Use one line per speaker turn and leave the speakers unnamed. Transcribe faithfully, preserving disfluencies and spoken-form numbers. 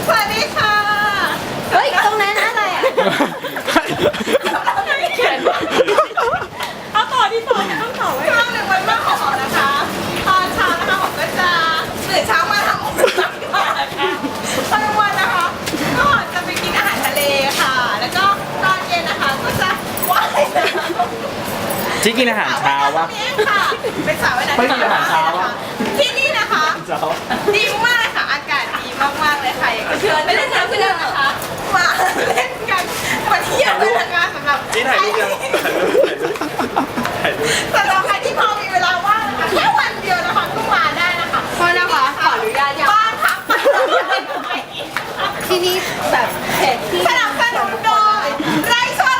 สวัสดีค่ะ
เฮ้ยตรงนั้นอะไรอ่ะ
เขียนเอาต่อที่ต่อจะต้องต่อไว้ช่วงหนึ่งวันแม่ของหอมนะคะตอนเช้านะคะหอมก็จะตื่นเช้ามาทำอบสัมก่อนนะคะตอนกลางวันนะคะก็จะไปกินอาหารทะเลค่ะ แล้วก็ตอนเย็นนะคะก็จะว่ายน้ำ
ที่กินอาหารเช้าวะ
เป็นสาวว่ายน้ำ
ไม่กินอาหารเช้าวะ
ที่นี่นะคะ
เช้า
ดีมากเลยค่ะ อากาศดีมากๆเลยค่ะอยากจะเชิญไปเล่นน้ำที่เดิมนะคะ มาเล่นกันมาเที่ยวกันนะคะสำหรับ
นี่ถ่ายรูปยังถ่ายรูปถ่ายรูป
สำหรับใครที่พอมีเวลาว่างนะคะแค่วันเดียวนะคะก็มาได้นะคะ
โทษนะคะขออนุญาตยัง
บ้านพัก
ที่นี่แบบเผ็ดที่
สนับสนุนโดยไร่ช่วย